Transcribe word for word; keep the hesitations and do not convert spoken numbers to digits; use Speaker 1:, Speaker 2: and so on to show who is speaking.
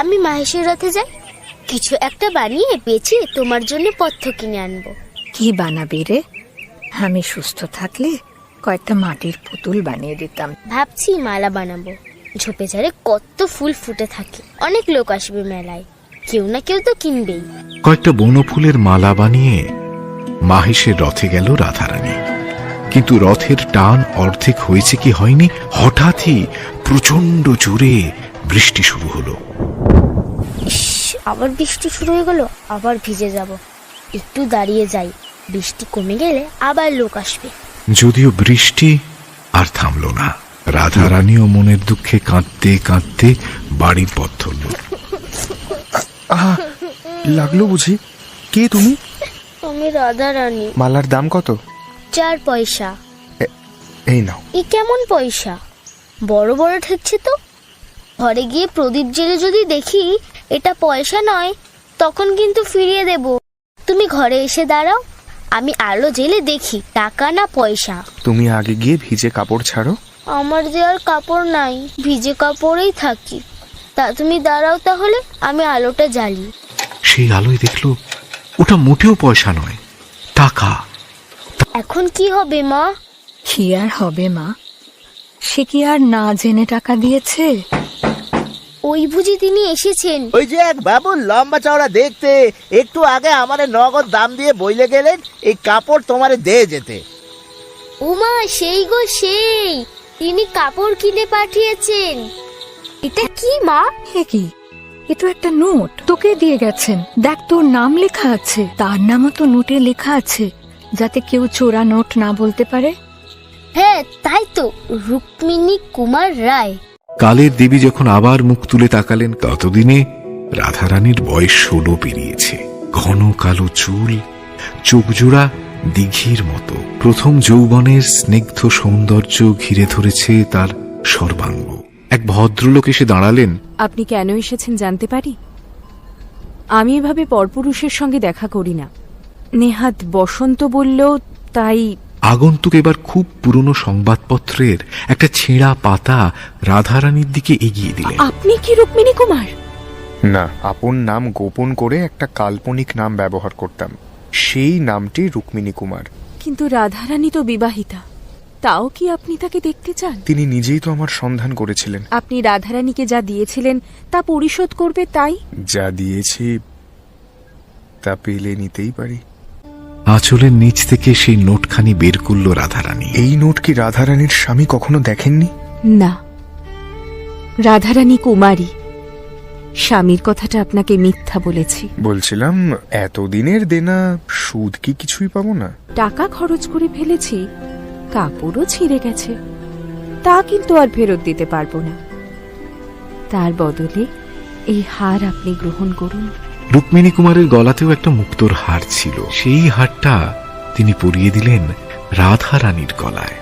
Speaker 1: আমি মাহেশের রথে যাই, কিছু একটা বানিয়ে বেচে তোমার জন্য পথ্য কিনে আনবো।
Speaker 2: কি বানাবি রে? আমি সুস্থ থাকলে কয়েকটা মাটির পুতুল বানিয়ে দিতাম।
Speaker 1: ভাবছি মালা বানাবো। ঝোপে ঝাড়ে কত ফুল ফুটে থাকে, অনেক লোক আসবে মেলায়, কেউ না কেউ তো কিনবেই।
Speaker 3: কয়েকটা বনফুলের মালা বানিয়ে মাহেশের রথে গেল রাধারানী। কিন্তু রথের টান অর্ধেক হয়েছে কি হয়নি, হঠাৎই প্রচন্ড জোরে বৃষ্টি শুরু হলো।
Speaker 1: আবার বৃষ্টি শুরু হয়ে গেল, আবার ভিজে যাব। একটু দাঁড়িয়ে যাই, বৃষ্টি কমে গেলে আবার লোক আসবে।
Speaker 3: যদিও বৃষ্টি আর থামল না, রাধারানীও মনের দুঃখে কাঁদতে কাঁদতে বাড়ির পথ ধরল।
Speaker 4: আহা, লাগলো বুঝি? কে তুমি?
Speaker 1: আমি রাধারানী।
Speaker 4: মালার দাম কত?
Speaker 1: চার পয়সা।
Speaker 4: এই নাও।
Speaker 1: ই কেমন পয়সা? বড় বড় ঠেকছে তো। ঘরে গিয়ে প্রদীপ জেলে যদি দেখি এটা পয়সা নয়, তখন কিন্তু ফিরিয়ে দেব। তুমি ঘরে এসে দাঁড়াও, আমি আলো জেলে দেখি টাকা না পয়সা।
Speaker 4: তুমি আগে গিয়ে ভিজে কাপড় ছাড়ো।
Speaker 1: আমার যে আর কাপড় নাই, ভিজে কাপড়েই থাকি। তা তুমি দাঁড়াও তাহলে, আমি আলোটা জ্বালি।
Speaker 3: সেই আলোয় দেখলো ওটা মোটেও পয়সা নয়, টাকা।
Speaker 1: এখন কি হবে মা?
Speaker 2: কি আর হবে মা? সে কি আর না জেনে টাকা দিয়েছে?
Speaker 1: ওই বুঝি তিনি এসেছেন।
Speaker 5: ওই যে এক বাবু লম্বা চওড়া দেখতে, একটু আগে আমারে নগদ দাম দিয়ে বইলে গেলেন এই কাপড় তোমারে দিয়ে যেতে।
Speaker 1: উমা, সেই গো সেই, তিনি কাপড় কিনে পাঠিয়েছেন। এটা কি মা?
Speaker 2: হে কি, এ তো একটা নোট তোকে দিয়ে গেছেন। দেখ, তোর নাম লেখা আছে, তার নামও তো নোটে লেখা আছে, যাতে কেউ চোরা নোট না বলতে পারে।
Speaker 1: হ্যাঁ তাই তো, রুক্মিণী কুমার রায়।
Speaker 3: কালের দেবী যখন আবার মুখ তুলে তাকালেন, ততদিনে রাধারানীর বয়স ষোলো পেরিয়েছে। ঘন কালো চুল, চোখজোড়া দিঘির মতো। প্রথম যৌবনের স্নিগ্ধ সৌন্দর্য ঘিরে ধরেছে তার সর্বাঙ্গ। এক ভদ্রলোক এসে দাঁড়ালেন।
Speaker 6: আপনি কেন এসেছেন জানতে পারি? আমি এভাবে পরপুরুষের সঙ্গে দেখা করি না। নেহাত বসন্ত বলল, তাই।
Speaker 3: আগন্তুক এবার খুব পুরনো সংবাদপত্রের একটা ছেঁড়া পাতা রাধারানীর দিকে এগিয়ে দিলেন।
Speaker 6: আপনি কি রুক্মিণী কুমার?
Speaker 4: না, আপন নাম গোপন করে একটা কাল্পনিক নাম ব্যবহার করতাম, সেই নামটি রুক্মিণী কুমার।
Speaker 6: কিন্তু রাধারানী তো বিবাহিতা, তাও কি আপনি তাকে দেখতে চান?
Speaker 4: তিনি নিজেই তো আমার সন্ধান করেছিলেন।
Speaker 6: আপনি রাধারানীকে যা দিয়েছিলেন তা পরিশোধ করবে, তাই?
Speaker 4: যা দিয়েছি তা পেলে নিতেই পারি।
Speaker 3: আঁচলের নিচ থেকে সেই নোটখানি বের করল রাধারানী।
Speaker 4: এই নোট কি রাধারানীর স্বামী কখনো দেখেননি?
Speaker 6: না, রাধারানী কুমারী। স্বামীর কথাটা আপনাকে মিথ্যা বলেছি।
Speaker 4: বলছিলাম, এতদিনের দেনা সুদ কি কিছুই পাবো না?
Speaker 6: টাকা খরচ করে ফেলেছি, কাপড়ও ছিঁড়ে গেছে, তা কিন্তু আর ফেরত দিতে পারবো না। তার বদলে এই হার আপনি গ্রহণ করুন।
Speaker 3: রুক্মিণী কুমারের গলাতেও একটা মুক্তোর হার ছিল, সেই হারটা তিনি পরিয়ে দিলেন রাধারানীর গলায়।